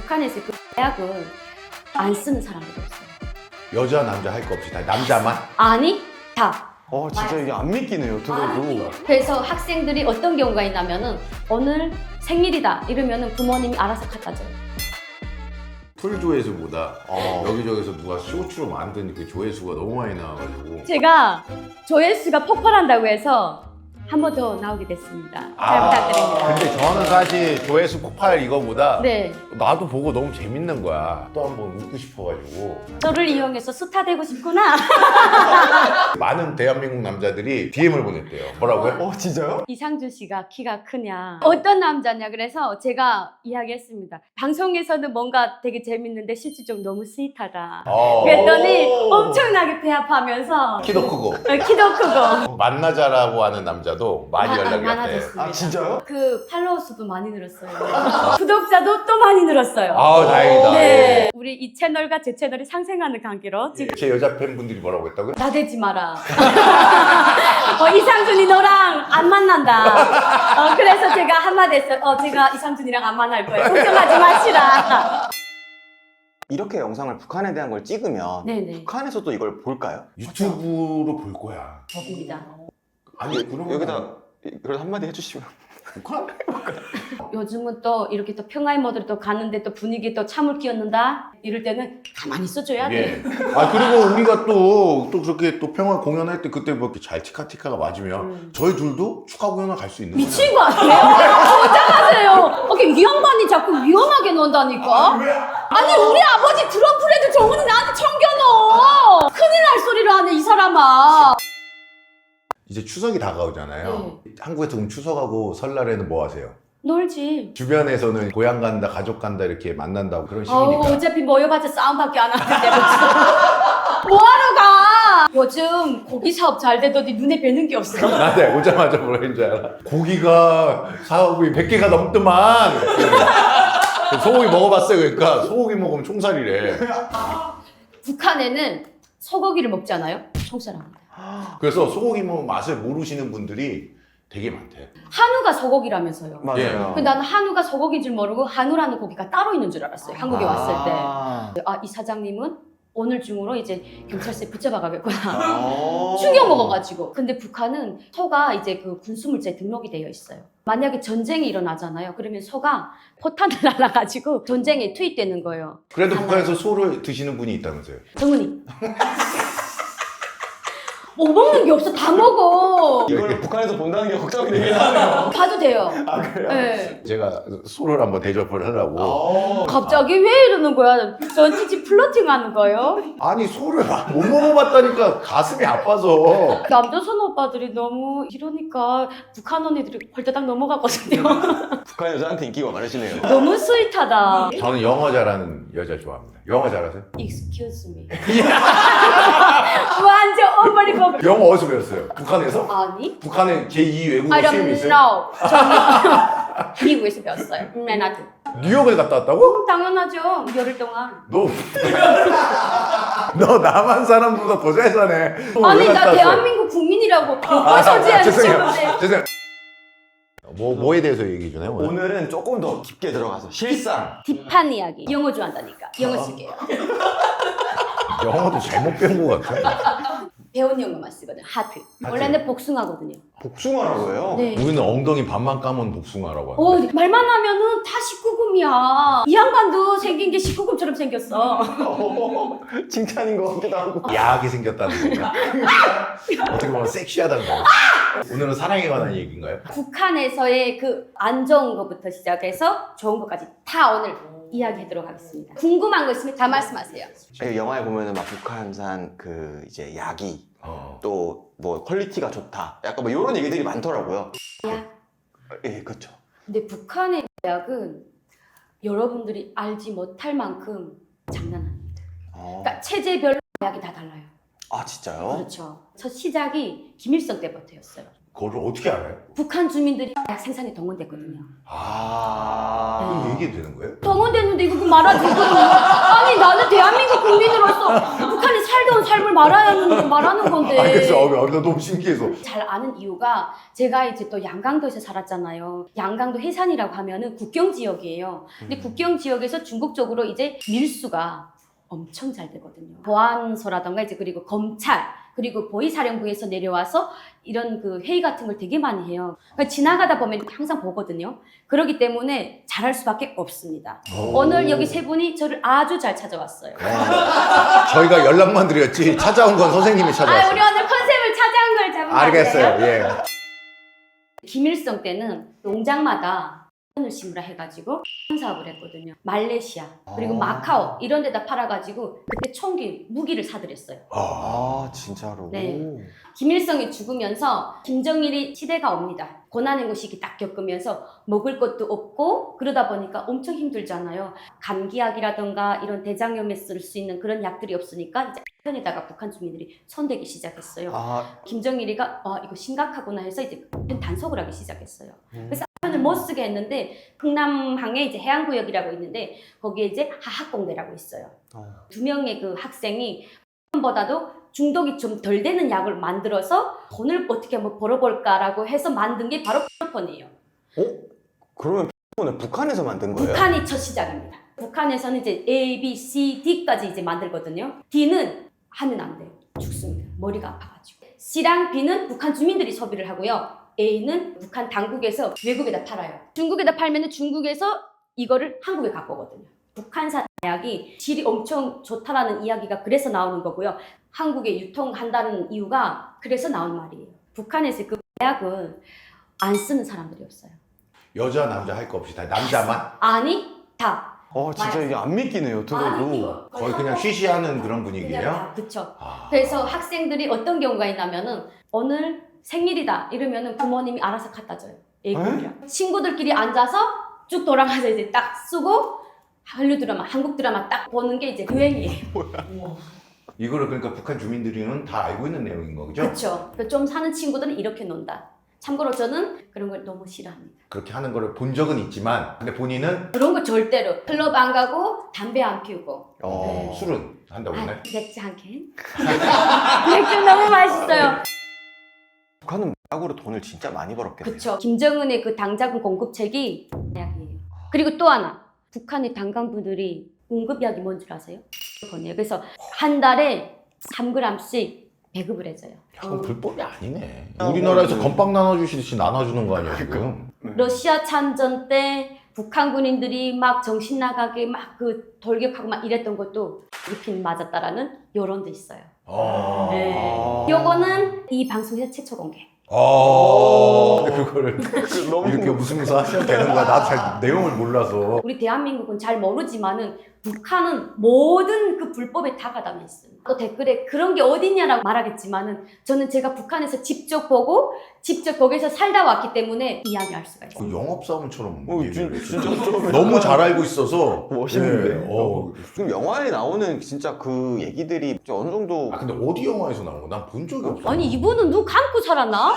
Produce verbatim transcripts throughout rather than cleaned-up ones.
북한에서 그 대학은 안 쓰는 사람들이 없어요. 여자 남자 할 거 없이 다 남자만? 아니 다. 어 진짜 이게 안 믿기네요 들어도. 그래서 학생들이 어떤 경우가 있냐면은 오늘 생일이다 이러면은 부모님이 알아서 갖다 줘요. 풀조회수보다 어. 여기저기서 누가 쇼츠로 만든 그 조회수가 너무 많이 나와가지고 제가 조회수가 폭발한다고 해서 한 번 더 나오게 됐습니다. 잘 아, 부탁드립니다. 근데 저는 사실 조회수 폭발 이거보다 네, 나도 보고 너무 재밌는 거야. 또 한 번 웃고 싶어가지고 저를 이용해서 스타 되고 싶구나. 많은 대한민국 남자들이 디엠을 보냈대요. 뭐라고요? 어 진짜요? 이상준 씨가 키가 크냐, 어떤 남자냐, 그래서 제가 이야기했습니다. 방송에서는 뭔가 되게 재밌는데 실질적으로 너무 스윗하다. 어. 그랬더니 엄청나게 배합하면서 키도 크고 어, 키도 크고 만나자라고 하는 남자도 많이 아, 연락이 왔대. 많아졌습니다. 아 진짜요? 그 팔로워 수도 많이 늘었어요. 구독자도 또 많이 늘었어요. 아우 다행이다. 네, 우리 이 채널과 제 채널이 상생하는 관계로 지금 제 여자 팬분들이 뭐라고 했다고요? 나대지 마라. 어, 이상준이 너랑 안 만난다. 어, 그래서 제가 한마디 했어요. 어, 제가 이상준이랑 안 만날 거예요. 걱정하지 마시라. 이렇게 영상을 북한에 대한 걸 찍으면 네네. 북한에서도 이걸 볼까요? 유튜브로 볼 거야. 법입니다. 아니 그러면 여기다 그래도 한마디 해주시면. 북한? 요즘은 또 이렇게 또 평화의 모드로 또 가는데 또 분위기에 또 참을 끼얹는다? 이럴 때는 가만히 있어줘야 돼. 예. 아 그리고 우리가 또, 또 그렇게 또 평화 공연할 때 그때 뭐 이렇게 잘 티카티카가 맞으면 음. 저희 둘도 축하 공연을 갈 수 있는 거야. 미친 거 아니에요? 걱정하세요. 이렇게 위험반이 자꾸 위험하게 논다니까? 아니 우리 아버지 트럼프라도 정훈이 나한테 챙겨넣어. 큰일 날 소리를 하네 이 사람아. 이제 추석이 다가오잖아요. 한국에서 그럼 추석하고 설날에는 뭐 하세요? 놀지. 주변에서는 고향 간다, 가족 간다 이렇게 만난다고 그런 어우, 식이니까. 어차피 모여봤자 싸움밖에 안 하는데 뭐하러 가? 요즘 고기 사업 잘 되더니 눈에 뵈는 게 없어. 나한테 오자마자 뭐라 했는 줄 알아? 고기가 사업이 백 개가 넘더만. 소고기 먹어봤어요. 그러니까 소고기 먹으면 총살이래. 북한에는 소고기를 먹잖아요. 총살합니다. 그래서 소고기 먹으면 맛을 모르시는 분들이 되게 많대. 한우가 소고기라면서요. 맞아요. 근데 나는 한우가 소고기인 줄 모르고 한우라는 고기가 따로 있는 줄 알았어요. 한국에 왔을 때. 아. 아, 이 사장님은 오늘 중으로 이제 경찰서에 붙잡아 가겠구나. 아. 충격 먹어가지고. 근데 북한은 소가 이제 그 군수물자에 등록이 되어 있어요. 만약에 전쟁이 일어나잖아요. 그러면 소가 포탄을 날아가지고 전쟁에 투입되는 거예요. 그래도 달라요. 북한에서 소를 드시는 분이 있다면서요? 정은이. 못 먹는 게 없어. 다 먹어. 이걸 북한에서 본다는 게 걱정이 되긴 하네요. 봐도 돼요. 아 그래요? 네. 제가 소를 한번 대접을 하려고. 어. 갑자기 왜 이러는 거야? 전 지지 플러팅 하는 거예요? 아니 소를 못 먹어봤다니까 가슴이 아파서. 남자 선호 오빠들이 너무 이러니까 북한 언니들이 벌떡 넘어가거든요. 북한 여자한테 인기가 많으시네요. 너무 스윗하다. 저는 영어 잘하는 여자 좋아합니다. 영어 잘하세요? Excuse me. 완전 어버리고. 영어 어디서 배웠어요? 북한에서? 아니? 북한에 제이 외국어 I 시험이 don't 있어요? know. 저는 미국에서 배웠어요. 맨하튼. 뉴욕에 갔다 왔다고? 당연하죠. 열흘 동안. 너, 너 남한 사람보다 더 잘 사네. 너 아니 왜 갔다 나 왔어? 대한민국 국민이라고. 아, 뭘 소지하는 죄송해요. 건데. 죄송해요. 뭐, 뭐에 대해서 얘기 주나요? 오늘? 오늘은 조금 더 깊게 들어가서 실상. 딥한 이야기. 영어 좋아한다니까. 영어 쓸게요. 영어도 잘못 배운 것 같아. 배운 영어만 쓰거든. 하트. 원래는 복숭아거든요. 복숭아라고 해요? 네. 우리는 엉덩이 반만 까면 복숭아라고 오, 하는데. 말만 하면은 다 십구 금이야. 이 양반도 생긴 게 십구 금처럼 생겼어. 어, 칭찬인 것 같기도 하고. 야하게 생겼다는 건가? 어떻게 보면 섹시하다는 건가? 오늘은 사랑에 관한 얘기인가요? 북한에서의 그 안 좋은 것부터 시작해서 좋은 것까지 다 오늘 이야기하도록 하겠습니다. 궁금한 거 있으면 다 말씀하세요. 예, 영화에 보면은 막 북한산 그 이제 약이 어. 또 뭐 퀄리티가 좋다. 약간 뭐 이런 얘기들이 많더라고요. 야. 예, 그렇죠. 근데 북한의 약은 여러분들이 알지 못할 만큼 장난 아닙니다. 어. 그러니까 체제별로 약이 다 달라요. 아 진짜요? 그렇죠. 첫 시작이 김일성 때부터였어요. 그걸 어떻게 알아요? 북한 주민들이 약 생산에 동원됐거든요. 아. 그럼 얘기해도 되는 거예요? 동원됐는데 이거 그 말하지. 이거 아니 나는 대한민국 국민으로서 북한이 살던 삶을 말아야 하는, 말하는 건데. 아, 그래서 어, 어, 나 너무 신기해서. 잘 아는 이유가 제가 이제 또 양강도에서 살았잖아요. 양강도 해산이라고 하면은 국경 지역이에요. 근데 음. 국경 지역에서 중국 쪽으로 이제 밀수가 엄청 잘 되거든요. 보안소라던가 이제 그리고 검찰 그리고 보위사령부에서 내려와서 이런 그 회의 같은 걸 되게 많이 해요. 그러니까 지나가다 보면 항상 보거든요. 그렇기 때문에 잘할 수밖에 없습니다. 오. 오늘 여기 세 분이 저를 아주 잘 찾아왔어요. 저희가 연락만 드렸지 찾아온 건 선생님이 아, 찾아왔어요. 우리 오늘 컨셉을 찾아온 걸 잡은 거 알겠어요. 아니에요? 예. 김일성 때는 농장마다 을 심으라 해가지고 사업을 했거든요. 말레이시아 그리고 아. 마카오 이런 데다 팔아가지고 그때 총기 무기를 사들였어요. 아, 아 진짜로. 네. 김일성이 죽으면서 김정일이 시대가 옵니다. 고난의 고시기 딱 겪으면서 먹을 것도 없고 그러다 보니까 엄청 힘들잖아요. 감기약이라던가 이런 대장염에 쓸 수 있는 그런 약들이 없으니까 이제 편에다가 북한 주민들이 손대기 시작했어요. 아, 김정일이가 아 이거 심각하구나 해서 이제 단속을 하기 시작했어요. 음. 그래서 편을 못 쓰게 했는데 흥남항에 이제 해안구역이라고 있는데 거기에 이제 하학공대라고 있어요. 어. 두 명의 그 학생이 보다도 중독이 좀 덜 되는 약을 만들어서 돈을 어떻게 한번 벌어볼까라고 해서 만든 게 바로 폰이에요. 어? 그러면 폰을 북한에서 만든 거예요? 북한이 첫 시작입니다. 북한에서는 이제 A, B, C, D까지 이제 만들거든요. D는 하면 안 돼요. 죽습니다. 머리가 아파가지고. C랑 B는 북한 주민들이 소비를 하고요. A는 북한 당국에서 외국에다 팔아요. 중국에다 팔면 중국에서 이거를 한국에 갖고 오거든요. 북한산 약이 질이 엄청 좋다라는 이야기가 그래서 나오는 거고요. 한국에 유통한다는 이유가 그래서 나온 말이에요. 북한에서 그 약은 안 쓰는 사람들이 없어요. 여자 남자 할 거 없이 다 남자만 아니 다. 어 진짜 이게 안 믿기네요 들어도. 거의 그냥 쉬쉬하는 그런 분위기예요. 그렇죠. 아. 그래서 학생들이 어떤 경우가 있냐면은 오늘 생일이다 이러면은 부모님이 알아서 갖다 줘요. 애기들이랑 친구들끼리 앉아서 쭉 돌아가서 이제 딱 쓰고 한류 드라마, 한국 드라마 딱 보는 게 이제 유행이에요. 이거를 그러니까 북한 주민들은 다 알고 있는 내용인 거죠? 그렇죠. 좀 사는 친구들은 이렇게 논다. 참고로 저는 그런 걸 너무 싫어합니다. 그렇게 하는 거를 본 적은 있지만 근데 본인은 그런 거 절대로 클럽 안 가고 담배 안 피우고 어. 네. 술은 한다고 아, 했나요? 맥주 한 캔. 맥주 너무 맛있어요. 북한은 약으로 돈을 진짜 많이 벌었겠네요. 그렇죠. 김정은의 그 당자금 공급책이 약이에요. 그리고 또 하나 북한의 당간부들이 응급약이 뭔 줄 아세요? 그거네요. 그래서 한 달에 삼 그램씩 배급을 해줘요. 야, 그건 어. 불법이 아니네. 아, 우리나라에서 뭐, 건빵 나눠주시듯이 나눠주는 거 아니야 지금? 러시아 참전 때 북한 군인들이 막 정신 나가게 막 그 돌격하고 막 이랬던 것도 일핀 맞았다라는 여론도 있어요. 아. 네. 요거는 이 방송에서 최초 공개. 아. 그거를 너무 이렇게 웃으면서 하시면 되는 거야. 나도 잘 내용을 몰라서. 우리 대한민국은 잘 모르지만은 북한은 모든 그 불법에 다 가담해 있어요. 또 댓글에 그런 게 어딨냐라고 말하겠지만은 저는 제가 북한에서 직접 보고 직접 거기서 살다 왔기 때문에 이야기할 수가 있어요. 그 영업사원처럼 어, 얘기를 진- 해주셔. 진짜 좀 너무 잘 알고 있어서 멋있는데. 네, 어. 지금 영화에 나오는 진짜 그 얘기들이 어느 정도 아 근데 어디 영화에서 나온 거? 난 본 적이 없어. 아니 이분은 눈 감고 살았나?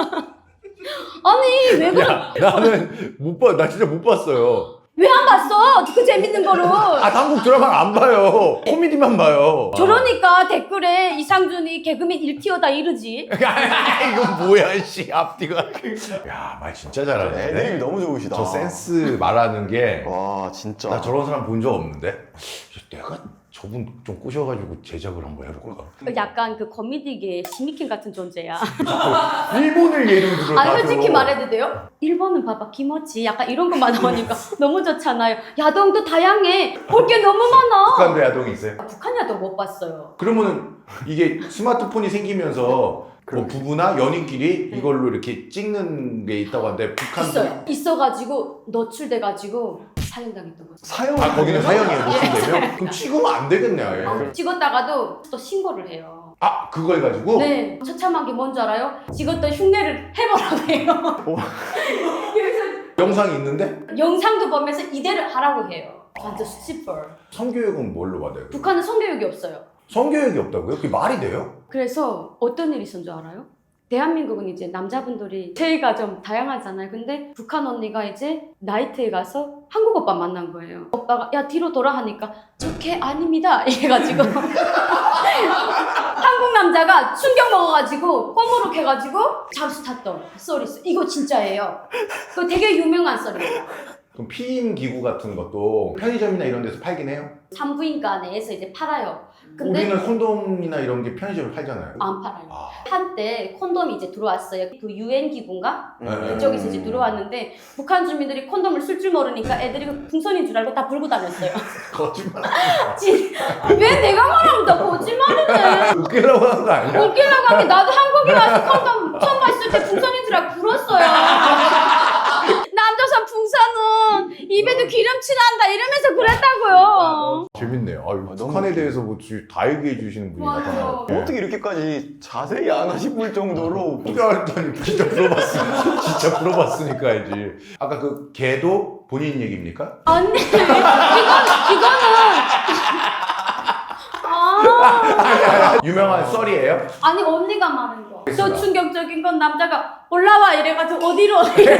아니 왜 그래? 야, 나는 못 봐. 나 진짜 못 봤어요. 왜 안 봤어? 그 재밌는 거를. 아 한국 드라마를 안 봐요. 코미디만 봐요. 저러니까 댓글에 이상준이 개그맨 일 티어다 이러지. 이건 뭐야 씨 앞뒤가. 야 말 진짜 잘하네. 애드립이 너무 좋으시다. 저 센스 말하는 게. 와 진짜. 나 저런 사람 본 적 없는데. 내가 저분 좀 꼬셔가지고 제작을 한번 해볼까. 약간 그 코미디계 시미킨 같은 존재야. 일본을 예를 들어. 아니 다 솔직히 들어. 말해도 돼요? 일본은 봐봐 김어치 약간 이런 것만 나오니까 너무 좋잖아요. 야동도 다양해. 볼 게 너무 많아. 북한도 야동이 있어요. 북한 야동 못 봤어요. 그러면은 이게 스마트폰이 생기면서 뭐 부부나 연인끼리 이걸로 이렇게 찍는 게 있다고 하는데 북한도 있어요. 있어가지고 노출돼가지고 사형당했던 거죠. 사용. 아 거기는 사형이에요 노출되면? 그럼 찍으면 안 되겠네 아예. 아, 찍었다가도 또 신고를 해요. 아 그거 해가지고? 네. 처참한 게 뭔지 알아요? 찍었던 흉내를 해보라고 해요. 그래서 영상이 있는데? 영상도 보면서 이대로 하라고 해요. 완전 수치벌. 성교육은 뭘로 받아요? 북한은 성교육이 없어요. 성교육이 없다고요? 그게 말이 돼요? 그래서 어떤 일이 있었는 줄 알아요? 대한민국은 이제 남자분들이 체위가 좀 다양하잖아요. 근데 북한 언니가 이제 나이트에 가서 한국 오빠 만난 거예요. 오빠가 야 뒤로 돌아 하니까 저걔 아닙니다 이래가지고 한국 남자가 충격 먹어가지고 꼬무룩 해가지고 잠수 탔던 썰이 있어. 이거 진짜예요. 그거 되게 유명한 썰이에요. 그럼 피임 기구 같은 것도 편의점이나 이런 데서 팔긴 해요? 산부인과 내에서 이제 팔아요. 근데 우리는 콘돔이나 이런 게 편의점에 팔잖아요. 안 팔아요. 아. 한때 콘돔이 이제 들어왔어요. 그 유엔 기구인가? 음. 네. 그쪽에서 이제 들어왔는데 북한 주민들이 콘돔을 쓸 줄 모르니까 애들이 그 풍선인 줄 알고 다 불고 다녔어요. 거짓말. 진- 왜 내가 말하면 다 거짓말이네. 웃기려고 하는 거 아니야? 웃기려고 하니 나도 한국에 와서 콘돔 처음 봤을 때 풍선인 줄 알고 불었어요. 남조선 풍선은 입에도 기름칠 난다 이러면서 그랬다고요. 재밌네요. 아, 너무 북한에 대해서 뭐 다 얘기해 주시는 분이 맞아요. 나타나요. 어떻게 이렇게까지 자세히 아나 싶을 정도로 어떻게 알았더니 진짜 물어봤으니까 진짜 물어봤으니까 알지. 아까 그 개도 본인 얘기입니까? 아니 이건 이거는 아 유명한 썰이에요? 아니 언니가 말한 거. 저 충격적인 건 남자가 올라와 이래가지고 어디로?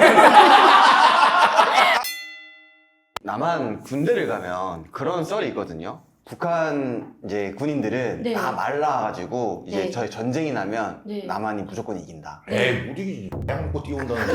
남한 군대를 가면 그런 썰이 있거든요. 북한 이제 군인들은 네. 다 말라가지고 이제 네. 저희 전쟁이 나면 네. 남한이 무조건 이긴다. 에이 못 이기지. 약 먹고 뛰어온다는 거.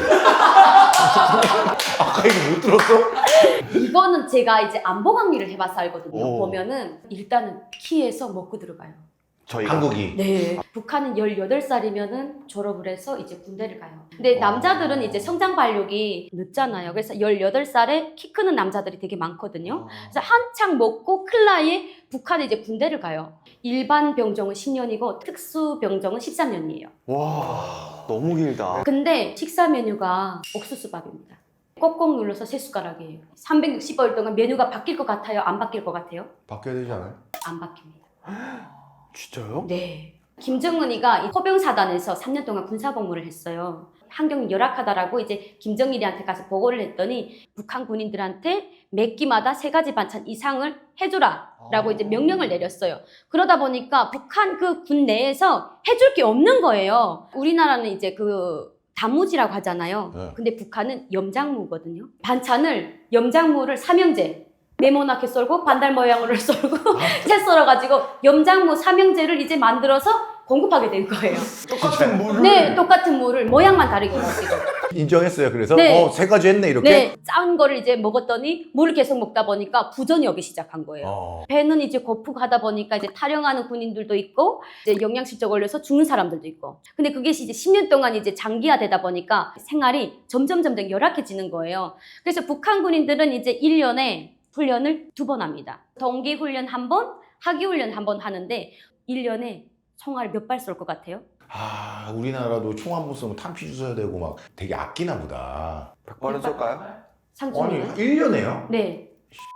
아까 얘기 못 들었어? 이거는 제가 이제 안보 강의를 해봐서 알거든요. 오. 보면은 일단은 키에서 먹고 들어가요. 저희가 한국이. 네. 북한은 열여덟 살이면은 졸업을 해서 이제 군대를 가요. 근데 어. 남자들은 이제 성장 발육이 늦잖아요. 그래서 열여덟 살에 키 크는 남자들이 되게 많거든요. 그래서 한창 먹고 클 나이에 북한에 이제 군대를 가요. 일반 병종은 십 년이고 특수 병종은 십삼 년이에요. 와 너무 길다. 근데 식사 메뉴가 옥수수밥입니다. 꼭꼭 눌러서 세 숟가락이에요. 삼백육십 일 동안 메뉴가 바뀔 것 같아요? 안 바뀔 것 같아요? 바뀌어야 되지 않아요? 안 바뀝니다. 진짜요? 네. 김정은이가 이 포병사단에서 삼 년 동안 군사복무를 했어요. 환경이 열악하다라고 이제 김정일이한테 가서 보고를 했더니 북한 군인들한테 매 끼마다 세 가지 반찬 이상을 해줘라 라고 이제 명령을 내렸어요. 그러다 보니까 북한 그 군 내에서 해줄 게 없는 거예요. 우리나라는 이제 그 단무지라고 하잖아요. 네. 근데 북한은 염장무거든요. 반찬을 염장무를 삼형제 네모나게 썰고 반달 모양으로 썰고 채 썰어가지고 염장무 삼형제를 이제 만들어서 공급하게 된 거예요. 똑같은 물을. 네, 똑같은 무를 모양만 다르게 가지고. 인정했어요. 그래서 네. 어, 세 가지 했네 이렇게. 네, 짠 거를 이제 먹었더니 물을 계속 먹다 보니까 부전이 오기 시작한 거예요. 어. 배는 이제 고프고 하다 보니까 이제 탈영하는 군인들도 있고 이제 영양실조 걸려서 죽는 사람들도 있고. 근데 그게 이제 십 년 동안 이제 장기화되다 보니까 생활이 점점 점점 열악해지는 거예요. 그래서 북한 군인들은 이제 일 년에 훈련을 두 번 합니다. 동기 훈련 한 번, 하기 훈련 한 번 하는데 일 년에 총알 몇 발 쏠 것 같아요? 아 우리나라도 총 한 번 쏘면 탄피 주셔야 되고 막 되게 아끼나 보다. 백 발은 쏠까요? 아니 상준이는? 일 년에요? 네.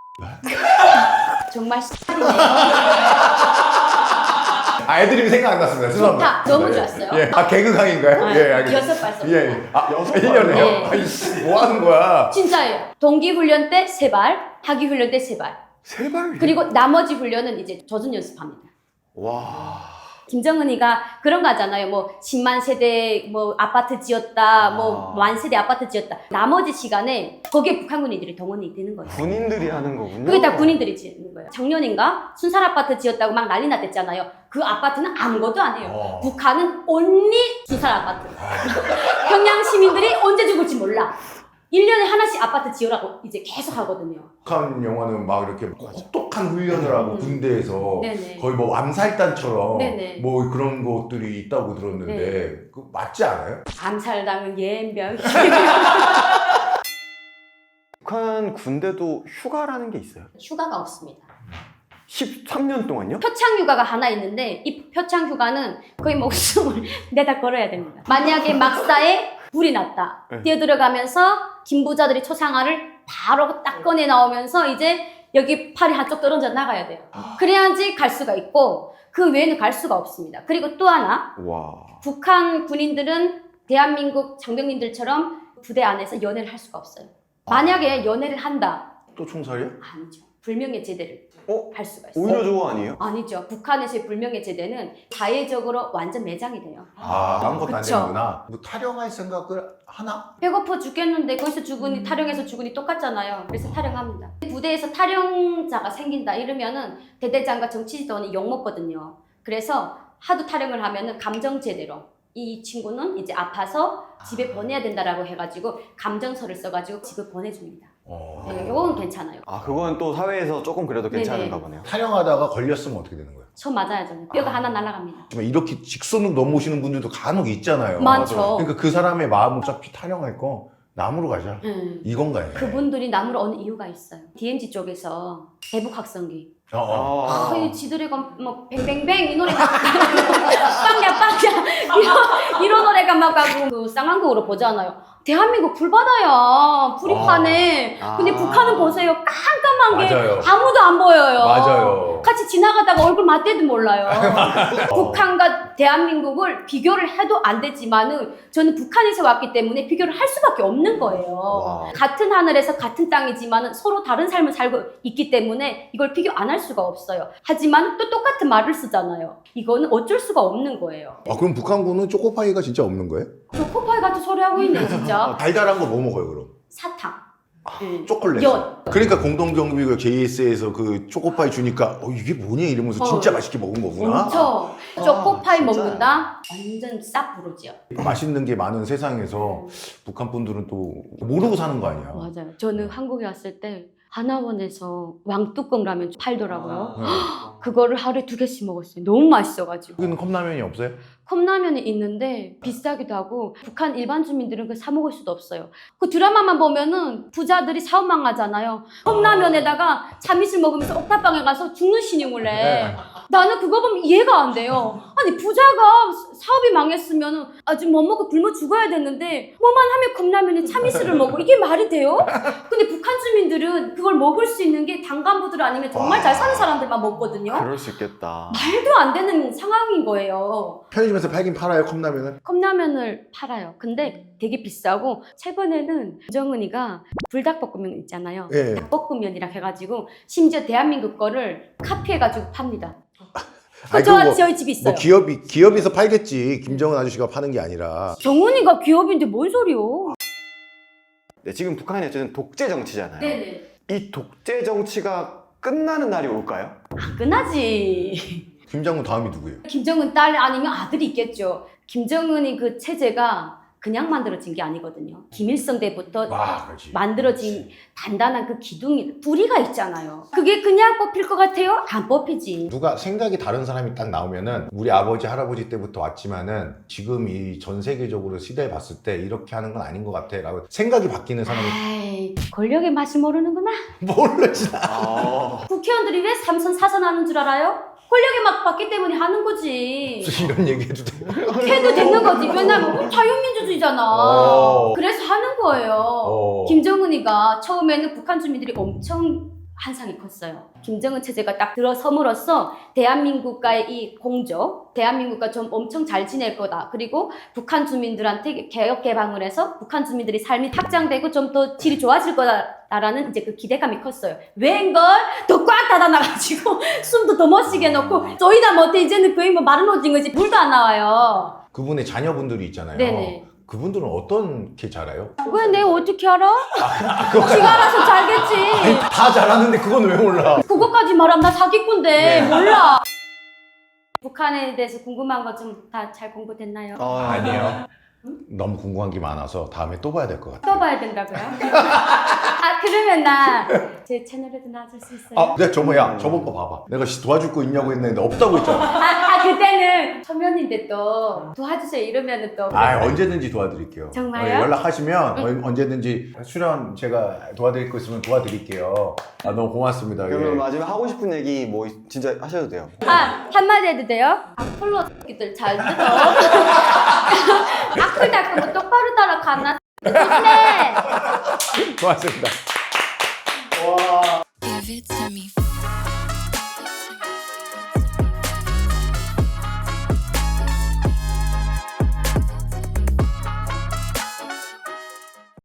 정말 X이네요. 아 애드립이 생각 안 났습니다. 죄송합니다. 좋다. 너무 네. 좋았어요. 예. 아 개그강인가요? 아, 예 알겠습니다. 여섯 발 쏘. 예. 예. 아 여섯 일 년에요? 네. 아이씨 뭐 하는 거야? 진짜예요. 동기 훈련 때 세 발, 하기 훈련 때 세 발. 세 발. 그리고 나머지 훈련은 이제 젖은 연습합니다. 와. 김정은이가 그런 거 하잖아요. 뭐 십만 세대 뭐 아파트 지었다, 뭐 아. 만 세대 아파트 지었다. 나머지 시간에 거기에 북한 군인들이 동원이 되는 거예요. 군인들이 하는 거군요. 그게 다 군인들이 지는 거예요. 작년인가 순살 아파트 지었다고 막 난리 났댔잖아요. 그 아파트는 아무것도 안 해요. 어. 북한은 온리 순살 아파트. 평양 시민들이 언제 죽을지 몰라. 일 년에 하나씩 아파트 지으라고 이제 계속 하거든요. 북한 영화는 막 이렇게 혹독한 훈련을 하고 음. 군대에서 네네. 거의 뭐 암살단처럼 네네. 뭐 그런 것들이 있다고 들었는데 네. 그 맞지 않아요? 암살당은 예병. 북한 군대도 휴가라는 게 있어요. 휴가가 없습니다. 십삼 년 동안요? 표창 휴가가 하나 있는데 이 표창 휴가는 거의 목숨을 내다 걸어야 됩니다. 만약에 막사에 불이 났다. 네. 뛰어들어가면서 김부자들이 초상화를 바로 딱 꺼내 나오면서 이제 여기 팔이 한쪽 떨어져 나가야 돼요. 그래야지 갈 수가 있고 그 외에는 갈 수가 없습니다. 그리고 또 하나 와. 북한 군인들은 대한민국 장병님들처럼 부대 안에서 연애를 할 수가 없어요. 만약에 연애를 한다. 또 총살이야? 아니죠. 불명예 제대를 어? 할 수가 있어요. 오히려 좋아 아니에요? 아니죠. 북한에서의 불명예 제대는 사회적으로 완전 매장이 돼요. 아, 아무것도 안 그쵸. 되는구나. 뭐 타령할 생각을 하나? 배고파 죽겠는데 거기서 죽으니 타령해서 죽으니 똑같잖아요. 그래서 타령합니다. 부대에서 타령자가 생긴다 이러면은 대대장과 정치지도원이 욕먹거든요. 그래서 하도 타령을 하면은 감정 제대로 이 친구는 이제 아파서 집에 보내야 된다라고 해가지고 감정서를 써가지고 집에 보내줍니다. 어. 네, 이건 괜찮아요. 아 그건 또 사회에서 조금 그래도 괜찮은가 네네. 보네요. 타령하다가 걸렸으면 어떻게 되는 거예요? 저 맞아야죠. 뼈가 하나 날아갑니다. 정말 이렇게 직선으로 넘어오시는 분들도 간혹 있잖아요. 많죠. 그러니까 그 사람의 마음 어차피 타령할 거 남으로 가자. 음. 이건가요? 그분들이 남으로 오는 이유가 있어요. 디엠지 쪽에서 대북 학생기. 어, 어. 아, 아, 이 지들이가 뭐 뱅뱅뱅 이 노래가 빵야 빵야 이런, 이런 노래가 막 가고 그 쌍한국으로 보잖아요. 대한민국 불바다야 불이파네. 아. 근데 북한은 보세요 깜깜한 게 맞아요. 아무도 안 보여요. 맞아요. 같이 지나가다가 얼굴 맞대도 몰라요. 북한과 대한민국을 비교를 해도 안 되지만은 저는 북한에서 왔기 때문에 비교를 할 수밖에 없는 거예요. 와. 같은 하늘에서 같은 땅이지만은 서로 다른 삶을 살고 있기 때문에 이걸 비교 안 할 수가 없어요. 하지만 또 똑같은 말을 쓰잖아요. 이거는 어쩔 수가 없는 거예요. 아, 그럼 북한군은 초코파이가 진짜 없는 거예요? 초코파이 같은 소리 하고 있네 진짜. 달달한 거 뭐 먹어요 그럼? 사탕. 음. 초콜릿. 연. 그러니까 공동경비구 제이에스에서 그 초코파이 주니까 어 이게 뭐냐 이러면서 어. 진짜 맛있게 먹은 거구나. 엄청. 초코파이 진짜. 먹는다? 완전 싹 부르지요. 맛있는 게 많은 세상에서 북한 분들은 또 모르고 사는 거 아니야. 맞아요. 저는 한국에 왔을 때 하나원에서 왕뚜껑 라면 팔더라고요. 네. 그거를 하루에 두 개씩 먹었어요. 너무 맛있어가지고. 여기는 컵라면이 없어요? 컵라면이 있는데 비싸기도 하고 북한 일반 주민들은 그 사 먹을 수도 없어요. 그 드라마만 보면은 부자들이 사업망 하잖아요. 컵라면에다가 참이슬 먹으면서 옥탑방에 가서 죽는 신용을 해. 네. 나는 그거 보면 이해가 안 돼요. 아니 부자가 사업이 망했으면은 아주 못 먹고 굶어 죽어야 되는데 뭐만 하면 컵라면에 참이슬을 먹고 이게 말이 돼요? 근데 북한 주민들은 그걸 먹을 수 있는 게 당간부들 아니면 정말 잘 사는 사람들만 먹거든요. 그럴 수 있겠다. 말도 안 되는 상황인 거예요. 편의점에서 팔긴 팔아요 컵라면을? 컵라면을 팔아요. 근데 되게 비싸고 최근에는 정은이가 불닭볶음면 있잖아요. 예. 닭볶음면이라 해가지고 심지어 대한민국 거를 카피해가지고 팝니다. 아니, 저 그거 뭐- 저희 집에 있어요. 뭐 기업이 기업에서 팔겠지. 김정은 아저씨가 파는 게 아니라. 정은이가 기업인데 뭔 소리요? 네, 지금 북한이 어쨌든 독재 정치잖아요. 네네. 이 독재 정치가 끝나는 날이 올까요? 아, 끝나지. 김정은 다음이 누구예요? 김정은 딸 아니면 아들이 있겠죠. 김정은이 그 체제가 그냥 만들어진 게 아니거든요. 김일성 때부터 와, 그렇지. 만들어진 단단한 그 기둥이 뿌리가 있잖아요. 그게 그냥 뽑힐 것 같아요? 안 뽑히지. 누가 생각이 다른 사람이 딱 나오면은 우리 아버지 할아버지 때부터 왔지만은 지금 이 전 세계적으로 시대에 봤을 때 이렇게 하는 건 아닌 것 같아 라고 생각이 바뀌는 사람이 아이, 권력의 맛을 모르는구나. 모르지. 아, 국회의원들이 왜 삼선 사선 하는 줄 알아요? 권력의 맛 봤기 때문에 하는 거지. 이런 얘기 해도 돼. 해도 되는 거지. 왜냐면 자유민주주의잖아. 어. 그래서 하는 거예요. 어. 김정은이가 처음에는 북한 주민들이 엄청 한상이 컸어요. 김정은 체제가 딱 들어섬으로써 대한민국과의 이 공조, 대한민국과 좀 엄청 잘 지낼 거다. 그리고 북한 주민들한테 개혁 개방을 해서 북한 주민들이 삶이 확장되고 좀 더 질이 좋아질 거다라는 이제 그 기대감이 컸어요. 왜인걸 더 꽉 닫아놔가지고 숨도 더 못 쉬게 놓고 저희다 못해 이제는 거의 뭐 마른 오징어지 물도 안 나와요. 그분의 자녀분들이 있잖아요. 네네. 그분들은 어떻게 자라요? 왜 내가 어떻게 알아? 지가 알아서 잘겠지. 아니, 다 잘하는데 그건 왜 몰라? 그거까지 말하면 나 사기꾼데 네. 몰라. 북한에 대해서 궁금한 거 좀 다 잘 공부됐나요? 아, 아니에요. 너무 궁금한 게 많아서 다음에 또 봐야 될 것 같아요. 또 봐야 된다고요? 아 그러면 나 제 채널에도 나와줄 수 있어요? 아, 내가 저번 야 저번 거 봐봐. 내가 씨 도와줄 거 있냐고 했는데 없다고 했잖아. 아, 아 그때는 초면인데 또 도와주세요 이러면은 또 아, 언제든지 도와드릴게요. 정말요? 어, 연락하시면 어, 언제든지 출연 제가 도와드릴 거 있으면 도와드릴게요. 아, 너무 고맙습니다. 그러면 예. 마지막에 하고 싶은 얘기 뭐 진짜 하셔도 돼요. 아 한마디 해도 돼요? 악플로 새끼들 잘 뜯어. 악플 닦은 거 똑바로 따라 가나? 좋네. 고맙습니다. Give it to me